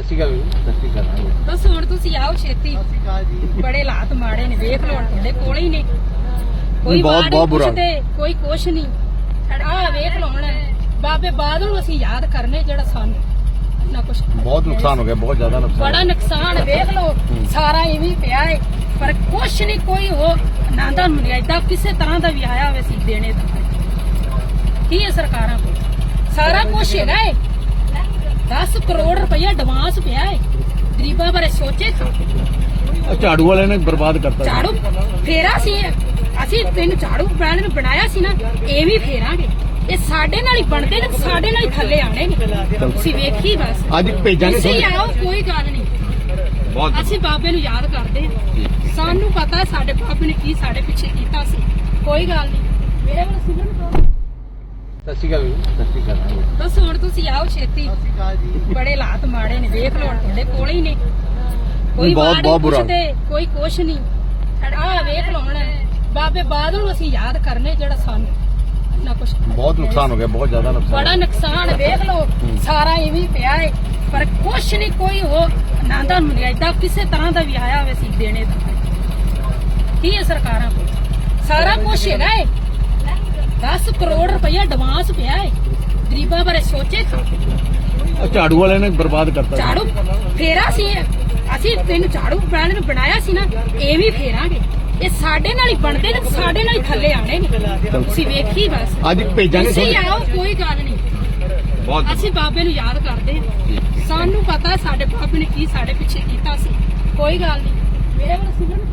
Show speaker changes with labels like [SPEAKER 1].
[SPEAKER 1] ਸਤਿ ਸ਼੍ਰੀ ਅਕਾਲ।
[SPEAKER 2] ਬਸ ਹੁਣ ਤੁਸੀਂ ਆਓ ਛੇਤੀ। ਬੜੇ ਹਾਲਾਤ ਮਾੜੇ ਨੇ, ਵੇਖ ਲਓ ਤੁਹਾਡੇ ਕੋਲ ਹੀ ਨੇ। ਕੋਈ ਬਹੁਤ ਬੁਰਾ, ਕੋਈ ਕੁਛ ਨਹੀਂ। ਆਹ ਵੇਖ ਲਓ ਹੁਣ ਬਾਬੇ ਬਾਦਲ ਨੂੰ ਅਸੀਂ ਯਾਦ ਕਰਨੇ, ਜਿਹੜਾ ਸਾਨੂੰ ਨਾ ਕੁਛ
[SPEAKER 1] ਬਹੁਤ ਨੁਕਸਾਨ ਹੋ ਗਿਆ, ਬਹੁਤ ਜ਼ਿਆਦਾ ਨੁਕਸਾਨ,
[SPEAKER 2] ਬੜਾ ਨੁਕਸਾਨ। ਵੇਖ ਲਓ ਸਾਰਾ ਇਵੇਂ ਪਿਆ ਹੈ, ਪਰ ਕੁਛ ਨਹੀਂ, ਕੋਈ ਹੋ ਨਾਂਦਾ ਏਦਾਂ ਕਿਸੇ ਤਰ੍ਹਾਂ ਦਾ ਵੀ ਆਇਆ ਹੋਵੇ ਸੀ ਦੇਣੇ ਦਾ। ਕੀ ਹੈ ਸਰਕਾਰਾਂ ਕੋਲ ਸਾਰਾ ਕੁਛ ਹੈਗਾ ਹੈ। 10 ਕਰੋੜ ਰੁਪਇਆ ਐਡਵਾਂਸ ਪਿਆ ਹੈ, ਗਰੀਬਾਂ ਬਾਰੇ ਸੋਚੇ ਤਾਂ।
[SPEAKER 1] ਝਾੜੂ ਵਾਲਿਆਂ ਨੇ ਬਰਬਾਦ ਕਰਤਾ।
[SPEAKER 2] ਝਾੜੂ ਫੇਰਾ ਸੀ, ਅਸੀਂ ਤੈਨੂੰ ਝਾੜੂ ਬ੍ਰਾਂਡ ਨੂੰ ਬਣਾਇਆ ਸੀ ਨਾ, ਇਹ ਵੀ ਫੇਰਾਂਗੇ। ਇਹ ਸਾਡੇ ਨਾਲ ਹੀ ਬਣਦੇ ਨੇ, ਸਾਡੇ ਨਾਲ ਹੀ ਥੱਲੇ ਆਣੇ ਨੇ। ਤੁਸੀਂ ਵੇਖੀ ਬਸ
[SPEAKER 1] ਅੱਜ ਭੇਜਾਂਗੇ।
[SPEAKER 2] ਤੁਸੀਂ ਆਓ, ਕੋਈ ਗੱਲ ਨਹੀਂ। ਅਸੀਂ ਬਾਬੇ ਨੂੰ ਯਾਦ ਕਰਦੇ ਹਾਂ, ਸਾਨੂੰ ਪਤਾ ਸਾਡੇ ਬਾਬੇ ਨੇ ਕੀ ਸਾਡੇ ਪਿੱਛੇ ਕੀਤਾ ਸੀ। ਕੋਈ ਗੱਲ ਨਹੀਂ, ਮੇਰੇ ਵੱਲ ਸੁਣਨ।
[SPEAKER 1] ਸਤਿ ਸ਼੍ਰੀ ਅਕਾਲ।
[SPEAKER 2] ਬਸ ਹੁਣ ਤੁਸੀਂ ਆਓ ਛੇਤੀ। ਬੜੇ ਹਾਲਾਤ ਮਾੜੇ ਨੇ, ਵੇਖ ਲਓ ਤੁਹਾਡੇ ਕੋਲ ਹੀ ਨੇ। ਕੋਈ ਬਹੁਤ ਬੁਰਾ, ਕੋਈ ਕੁਛ ਨਹੀਂ। ਆਹ ਵੇਖ ਲਓ ਹੁਣ ਬਾਬੇ ਬਾਦਲ ਨੂੰ ਅਸੀਂ ਯਾਦ ਕਰਨੇ, ਜਿਹੜਾ ਸਾਨੂੰ ਨਾ ਕੁਛ
[SPEAKER 1] ਬਹੁਤ ਨੁਕਸਾਨ ਹੋ ਗਿਆ, ਬਹੁਤ ਜ਼ਿਆਦਾ ਨੁਕਸਾਨ,
[SPEAKER 2] ਬੜਾ ਨੁਕਸਾਨ। ਵੇਖ ਲਓ ਸਾਰਾ ਇਵੇਂ ਪਿਆ ਹੈ, ਪਰ ਕੁਛ ਨਹੀਂ, ਕੋਈ ਹੋ ਨਾਂਦਾ ਏਦਾਂ ਕਿਸੇ ਤਰ੍ਹਾਂ ਦਾ ਵੀ ਆਇਆ ਹੋਵੇ ਸੀ ਦੇਣੇ ਦਾ। ਕੀ ਹੈ ਸਰਕਾਰਾਂ ਕੋਲ ਸਾਰਾ ਕੁਛ ਹੈਗਾ ਹੈ। 10 ਕਰੋੜ ਰੁਪਇਆ ਐਡਵਾਂਸ ਪਿਆ ਹੈ, ਗਰੀਬਾਂ ਬਾਰੇ ਸੋਚੇ ਤਾਂ।
[SPEAKER 1] ਝਾੜੂ ਵਾਲਿਆਂ ਨੇ ਬਰਬਾਦ ਕਰਤਾ।
[SPEAKER 2] ਝਾੜੂ ਫੇਰਾ ਸੀ, ਅਸੀਂ ਤੈਨੂੰ ਝਾੜੂ ਬ੍ਰਾਂਡ ਨੂੰ ਬਣਾਇਆ ਸੀ ਨਾ, ਇਹ ਵੀ ਫੇਰਾਂਗੇ। ਇਹ ਸਾਡੇ ਨਾਲ ਹੀ ਬਣਦੇ ਨੇ, ਸਾਡੇ ਨਾਲ ਹੀ ਥੱਲੇ ਆਣੇ ਨੇ। ਤੁਸੀਂ ਵੇਖੀ ਬਸ
[SPEAKER 1] ਅੱਜ ਭੇਜਾਂਗੇ।
[SPEAKER 2] ਤੁਸੀਂ ਆਓ, ਕੋਈ ਗੱਲ ਨਹੀਂ। ਅਸੀਂ ਬਾਬੇ ਨੂੰ ਯਾਦ ਕਰਦੇ ਹਾਂ, ਸਾਨੂੰ ਪਤਾ ਸਾਡੇ ਬਾਬੇ ਨੇ ਕੀ ਸਾਡੇ ਪਿੱਛੇ ਕੀਤਾ ਸੀ। ਕੋਈ ਗੱਲ ਨਹੀਂ, ਮੇਰੇ ਵੱਲ ਸੁਣਨ।